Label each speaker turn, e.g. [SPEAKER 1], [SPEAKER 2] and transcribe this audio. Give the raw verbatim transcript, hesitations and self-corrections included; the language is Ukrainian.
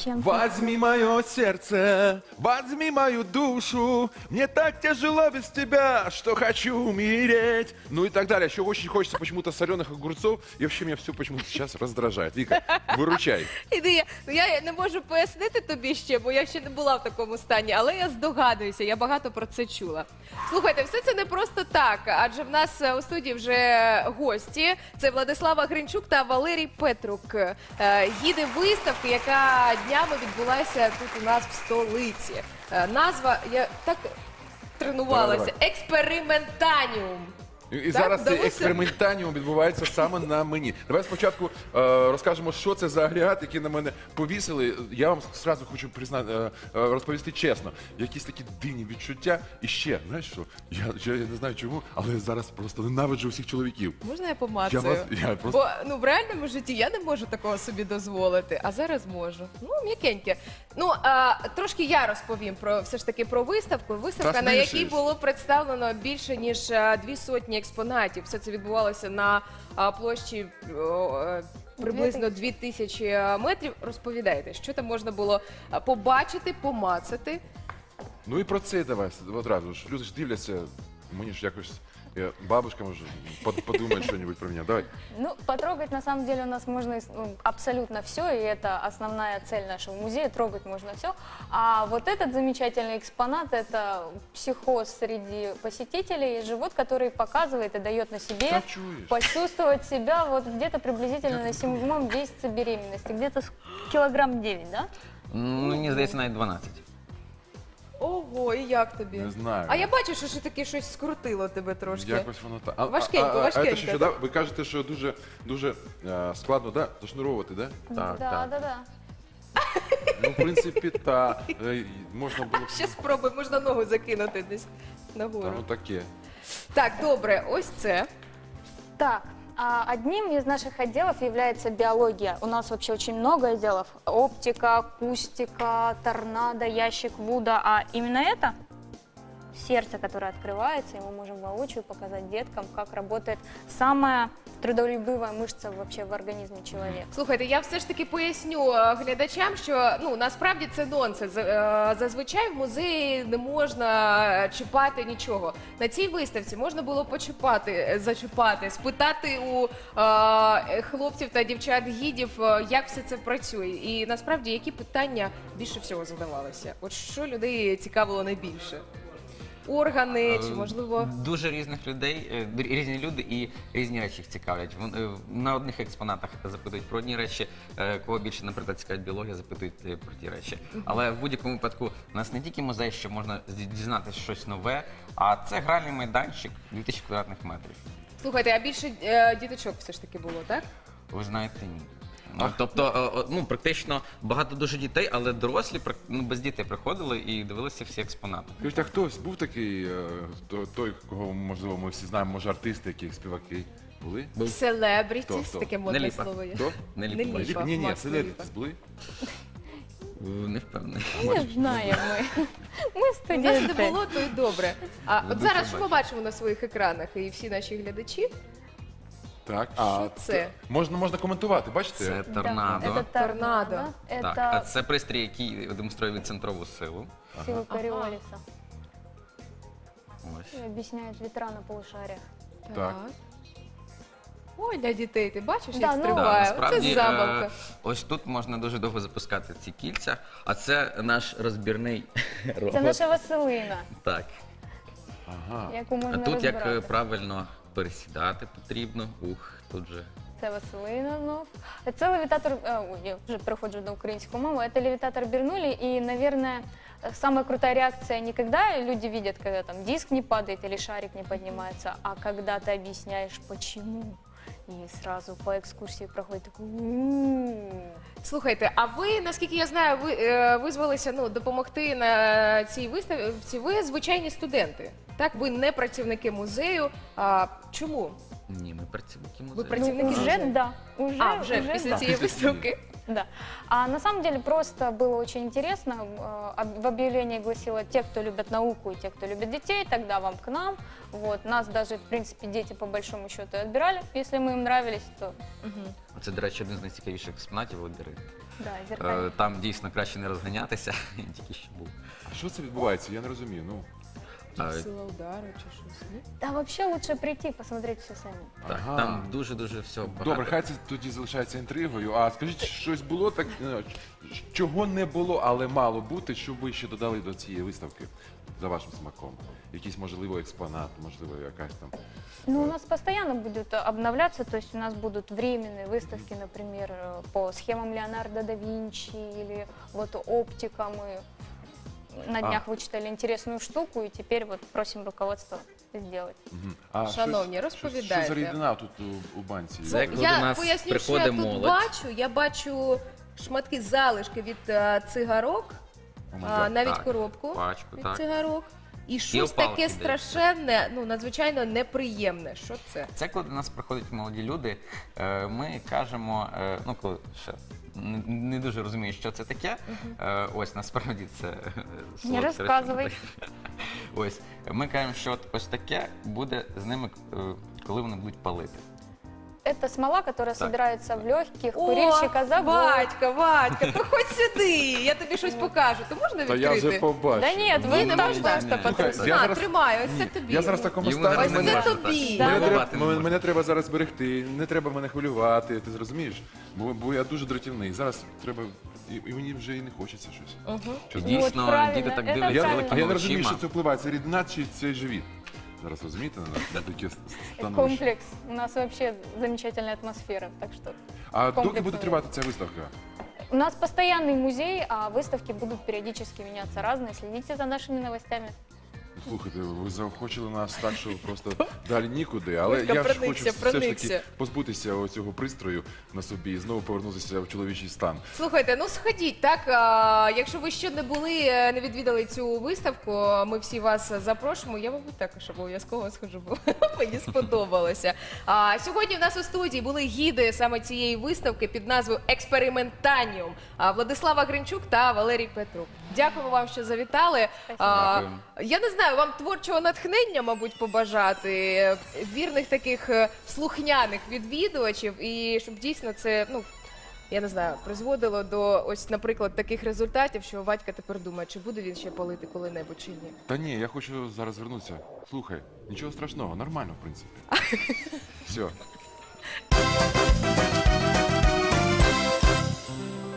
[SPEAKER 1] чем-то.
[SPEAKER 2] Возьми мое сердце, возьми мою душу, мне так тяжело без тебя, что хочу умереть. Ну и так далее. Еще очень хочется почему-то соленых огурцов, и вообще меня все почему-то сейчас раздражает. Вика, выручай.
[SPEAKER 3] Іди, ну я не можу пояснити тобі ще, бо я ще не була в такому стані, але я здогадуюся, я багато про це чула. Слухайте, все це не просто так, адже в нас е, у студії вже гості. Це Владислава Гринчук та Валерій Петрук. Е, Гіди виставки, яка днями відбулася тут у нас в столиці. Е, Назва, я так тренувалася,
[SPEAKER 2] Давай,
[SPEAKER 3] експериментаніум.
[SPEAKER 2] І, і
[SPEAKER 3] Так,
[SPEAKER 2] зараз цей
[SPEAKER 3] вдалося?
[SPEAKER 2] експериментаніум відбувається саме на мені. Давай спочатку е, розкажемо, що це за агрегат, який на мене повісили. Я вам зразу хочу признати, е, е, розповісти чесно. Якісь такі дивні відчуття. І ще, знаєш що, я, я, я не знаю чому, але я зараз просто ненавиджу всіх чоловіків.
[SPEAKER 3] Можна я помацаю?
[SPEAKER 2] Я вас- я просто-
[SPEAKER 3] Бо ну, в реальному житті я не можу такого собі дозволити, а зараз можу. Ну, м'якеньке. Ну, а, трошки я розповім про все ж таки про виставку. Виставка,
[SPEAKER 2] Та
[SPEAKER 3] на якій
[SPEAKER 2] смішиш.
[SPEAKER 3] було представлено більше ніж а, дві сотні експонатів. Все це відбувалося на а, площі о, е, приблизно дві тисячі метрів. Розповідайте, що там можна було а, побачити, помацати.
[SPEAKER 2] Ну і про це давай одразу ж. Люди ж дивляться, мені ж якось я, бабушка може под- подумає щось про мене. Давай.
[SPEAKER 1] Ну, потрогать на самом деле у нас можно ну, абсолютно все, и это основная цель нашего музея, трогать можно все. А вот этот замечательный экспонат, это психоз среди посетителей, живот, который показывает и дает на себе
[SPEAKER 2] Та чуєш?
[SPEAKER 1] почувствовать себя вот где-то приблизительно на седьмом месяце беременности, где-то с- килограмм девять, да?
[SPEAKER 4] Ну, мені здається, навіть дванадцять.
[SPEAKER 3] Ого, і як тобі?
[SPEAKER 2] Не знаю.
[SPEAKER 3] А я бачу, що ще таке щось скрутило тебе трошки.
[SPEAKER 2] Якось воно так. А,
[SPEAKER 3] Важкенько,
[SPEAKER 2] а, а,
[SPEAKER 3] важкенько.
[SPEAKER 2] А, це що, да? Ви кажете, що дуже, дуже е, складно, да? Зашнуровувати, да?
[SPEAKER 4] Так,
[SPEAKER 1] да,
[SPEAKER 4] так.
[SPEAKER 1] да, да.
[SPEAKER 2] Ну, в принципі, та е, можна було б.
[SPEAKER 3] Ще спробуй, можна ногу закинути десь нагору.
[SPEAKER 2] Та, ну таке.
[SPEAKER 3] Так, добре, ось це.
[SPEAKER 1] Так, а одним из наших отделов является биология. У нас вообще очень много отделов. Оптика, акустика, торнадо, ящик Вуда. А именно это сердце, которое открывается, и мы можем воочию показать деткам, как работает самая трудолюбивая мышца вообще в организме человека.
[SPEAKER 3] Слухайте, я все ж таки поясню е, глядачам, що ну насправді це нонсенс. Е, Зазвичай в музеї не можна чіпати нічого. На цій виставці можна було почіпати, е, зачіпати, спитати у е, хлопців та дівчат гідів, е, як все це працює. І насправді які питання більше всього задавалися? От що людей цікавило найбільше? Органи чи можливо.
[SPEAKER 4] Дуже різних людей, е, д- різні люди і різні речі їх цікавлять. Вон, е, На одних експонатах запитують про одні речі, е, кого більше, наприклад, цікавить біологія, запитують е, про ті речі. Але в будь-якому випадку у нас не тільки музей, що можна зді- дізнатися щось нове, а це гральний майданчик дві тисячі квадратних метрів.
[SPEAKER 3] Слухайте, а більше е, діточок все ж таки було, так?
[SPEAKER 4] Ви знаєте, ні. Ну, тобто, е, е, ну, практично багато дуже дітей, але дорослі прак- ну, без дітей приходили і дивилися всі експонати.
[SPEAKER 2] Скажіть, а хтось був такий, е, то- той, кого, можливо, ми всі знаємо, може, артисти, які співаки були?
[SPEAKER 4] Був.
[SPEAKER 3] Селебрітіс,
[SPEAKER 2] Хто, хто?
[SPEAKER 3] таке модне
[SPEAKER 4] Неліпа.
[SPEAKER 3] слово є.
[SPEAKER 2] Хто?
[SPEAKER 4] Не
[SPEAKER 3] Не
[SPEAKER 4] ліпо.
[SPEAKER 3] ліпо.
[SPEAKER 2] Ні, ні,
[SPEAKER 3] Макс
[SPEAKER 2] селебрітіс були?
[SPEAKER 4] Е, Не впевнений.
[SPEAKER 1] Не знаем мы. Мы
[SPEAKER 3] У нас не
[SPEAKER 1] студенты.
[SPEAKER 3] було, то й добре. А
[SPEAKER 4] Ви
[SPEAKER 3] от зараз
[SPEAKER 4] бачите.
[SPEAKER 3] що ми бачимо на своїх екранах, і всі наші глядачі?
[SPEAKER 2] Так.
[SPEAKER 3] Що це?
[SPEAKER 2] т- Можна, можна коментувати, бачите?
[SPEAKER 4] Це
[SPEAKER 1] Да,
[SPEAKER 4] торнадо.
[SPEAKER 1] это торнадо.
[SPEAKER 3] Торнадо.
[SPEAKER 4] Так, а
[SPEAKER 1] Это
[SPEAKER 4] це пристрій, який демонструє відцентрову силу.
[SPEAKER 1] сила
[SPEAKER 3] Ага.
[SPEAKER 1] Кориолиса.
[SPEAKER 4] Ось.
[SPEAKER 1] И объясняет ветра на полушариях.
[SPEAKER 2] Так.
[SPEAKER 3] Ой, для дітей, ти бачиш,
[SPEAKER 1] Да,
[SPEAKER 3] як
[SPEAKER 1] ну,
[SPEAKER 3] стрибає?
[SPEAKER 4] Да, насправді,
[SPEAKER 3] Це забавка.
[SPEAKER 4] е, ось тут можна дуже довго запускати ці кільця, а це наш розбірний
[SPEAKER 1] Це
[SPEAKER 4] робот.
[SPEAKER 1] наша Василина,
[SPEAKER 4] Так.
[SPEAKER 2] Ага.
[SPEAKER 1] яку
[SPEAKER 4] А
[SPEAKER 1] можна
[SPEAKER 4] тут як е,
[SPEAKER 1] розбирати.
[SPEAKER 4] правильно пересідати потрібно. Ух, тут же.
[SPEAKER 1] Це Василина знов. Це левітатор, е, ой, я вже переходжу на українську мову, це левітатор Бернули, и, наверное, самая крутая реакция не когда люди видят, когда там диск не падает или шарик не поднимается, а когда ты объясняешь, почему. И сразу по экскурсии проходит такой «У-у-у».
[SPEAKER 3] Слухайте, а ви, наскільки я знаю, ви е, визвалися ну, допомогти на цій виставці. Ви звичайні студенти. Так, ви не працівники музею. А чому?
[SPEAKER 4] Ні, ми працівники
[SPEAKER 3] Ви
[SPEAKER 4] музею.
[SPEAKER 3] працівники
[SPEAKER 1] Ну, уже
[SPEAKER 3] музею?
[SPEAKER 1] да. Уже,
[SPEAKER 3] А, вже після
[SPEAKER 1] да.
[SPEAKER 3] цієї
[SPEAKER 2] Після цієї.
[SPEAKER 3] виставки.
[SPEAKER 1] Да. А на самом деле просто было очень интересно. Э, об- В объявлении гласило: те, кто любят науку и те, кто любит детей, тогда вам к нам. Вот. Нас даже, в принципе, дети по большому счету и отбирали. Если мы им нравились, то
[SPEAKER 4] Це, до речі, один з найцікавіших експонатів лабіринт.
[SPEAKER 1] да,
[SPEAKER 4] Е,
[SPEAKER 1] зеркально.
[SPEAKER 4] Там дійсно краще не розганятися, я тільки що був.
[SPEAKER 2] А що це відбувається? Я не розумію. Ну,
[SPEAKER 4] А,
[SPEAKER 3] Сила удару чи щось. ні?
[SPEAKER 1] Да, вообще лучше прийти, посмотреть все сами.
[SPEAKER 4] Так,
[SPEAKER 2] Ага.
[SPEAKER 4] там дуже-дуже все багато.
[SPEAKER 2] добре, хай це тоді залишається інтригою. А скажіть, щось було так, е, чого не було, але мало бути, що ви ще додали до цієї виставки за вашим смаком? Якийсь, можливо, експонат, можливо, якась там.
[SPEAKER 1] Ну, у нас постоянно будет э, обновляться, то есть у нас будут временные выставки, например, э, по схемам Леонардо да Винчи или вот оптика. Мы на
[SPEAKER 2] А.
[SPEAKER 1] днях вычитали интересную штуку и теперь вот просим руководство сделать.
[SPEAKER 2] Мгм. А
[SPEAKER 3] Шановні,
[SPEAKER 2] щось- щось-
[SPEAKER 3] розповідайте.
[SPEAKER 2] Що за рідина тут у, у банці?
[SPEAKER 4] Це як коли
[SPEAKER 3] Я
[SPEAKER 4] до нас
[SPEAKER 3] поясню, що я
[SPEAKER 4] приходить
[SPEAKER 3] тут
[SPEAKER 4] молодь.
[SPEAKER 3] бачу. Я бачу шматки залишки від е, цигарок,
[SPEAKER 2] О,
[SPEAKER 3] а,
[SPEAKER 2] май гад.
[SPEAKER 3] навіть
[SPEAKER 4] Так,
[SPEAKER 3] коробку
[SPEAKER 4] пачку,
[SPEAKER 3] від
[SPEAKER 4] так.
[SPEAKER 3] цигарок. І щось
[SPEAKER 4] опалки
[SPEAKER 3] таке
[SPEAKER 4] десь.
[SPEAKER 3] страшенне, ну надзвичайно неприємне. Що це?
[SPEAKER 4] Це коли до нас приходять молоді люди, е, ми кажемо, е, ну коли ще не, не дуже розумію, що це таке. Е, Ось насправді це е, солодке
[SPEAKER 1] розказуй.
[SPEAKER 4] речовина. Ось ми кажемо, що от ось таке буде з ними, е, коли вони будуть палити.
[SPEAKER 1] Это смола, которая
[SPEAKER 4] Так.
[SPEAKER 1] собирается в легких, курильщика за год.
[SPEAKER 3] Вадька, Вадька, проходь сюди, я тобі щось покажу. То можна
[SPEAKER 2] Та я
[SPEAKER 3] відкрити?
[SPEAKER 2] вже побачив.
[SPEAKER 1] Да нет, вы
[SPEAKER 3] Ні, не
[SPEAKER 1] там
[SPEAKER 3] можна.
[SPEAKER 1] просто
[SPEAKER 2] Слухай,
[SPEAKER 1] потрусите.
[SPEAKER 2] я
[SPEAKER 3] На,
[SPEAKER 2] зараз-
[SPEAKER 3] тримай, ось це
[SPEAKER 2] Ні,
[SPEAKER 3] тобі.
[SPEAKER 2] Я зараз в такому
[SPEAKER 4] Йому
[SPEAKER 2] стані.
[SPEAKER 4] зараз
[SPEAKER 3] Ось
[SPEAKER 4] не
[SPEAKER 3] це
[SPEAKER 4] можна
[SPEAKER 3] тобі.
[SPEAKER 4] так.
[SPEAKER 1] Да.
[SPEAKER 2] Мене,
[SPEAKER 4] Балувати
[SPEAKER 2] треба,
[SPEAKER 4] не
[SPEAKER 2] мене,
[SPEAKER 4] можна.
[SPEAKER 2] мене треба зараз берегти, не треба мене хвилювати, ти зрозумієш? Бо, бо я дуже дратівний. Зараз треба. І, і мені вже і не хочеться щось.
[SPEAKER 3] Мгм.
[SPEAKER 4] І
[SPEAKER 1] Вот,
[SPEAKER 4] дійсно,
[SPEAKER 1] правильно,
[SPEAKER 4] діти так
[SPEAKER 1] це
[SPEAKER 4] дивляться
[SPEAKER 2] Я,
[SPEAKER 1] правильно.
[SPEAKER 2] а
[SPEAKER 4] великими
[SPEAKER 2] я не розумію,
[SPEAKER 4] очима.
[SPEAKER 2] що це впливає. Це рідина чи це живіт? Зараз розумієте на, на таке становище.
[SPEAKER 1] Комплекс. У нас вообще замечательная атмосфера, так что...
[SPEAKER 2] А доки
[SPEAKER 1] комплексно.
[SPEAKER 2] буде тривати ця виставка?
[SPEAKER 1] У нас постоянный музей, а выставки будут периодически меняться разные. Следите за нашими новостями.
[SPEAKER 2] Слухайте, ви заохочили нас так, що просто далі нікуди. Але
[SPEAKER 3] Волька,
[SPEAKER 2] я ж
[SPEAKER 3] проникся,
[SPEAKER 2] хочу все ж
[SPEAKER 3] проникся.
[SPEAKER 2] таки позбутися цього пристрою на собі і знову повернутися в чоловічий стан.
[SPEAKER 3] Слухайте, ну сходіть, так? А, якщо ви ще не були, е, не відвідали цю виставку, ми всі вас запрошуємо. Я, мабуть, також обов'язково схожу, бо мені сподобалося. А, сьогодні в нас у студії були гіди саме цієї виставки під назвою Експериментаніум. А, Владислава Гринчук та Валерій Петрук. Дякуємо вам, що завітали. А,
[SPEAKER 4] Дякуємо.
[SPEAKER 3] я не знаю, вам творчого натхнення, мабуть, побажати, е, вірних таких е, слухняних відвідувачів, і щоб дійсно це, ну, я не знаю, призводило до ось, наприклад, таких результатів, що Вадька тепер думає, чи буде він ще палити коли-небудь чи ні.
[SPEAKER 2] Та ні, я хочу зараз звернутися. Слухай, нічого страшного, нормально, в принципі. Все.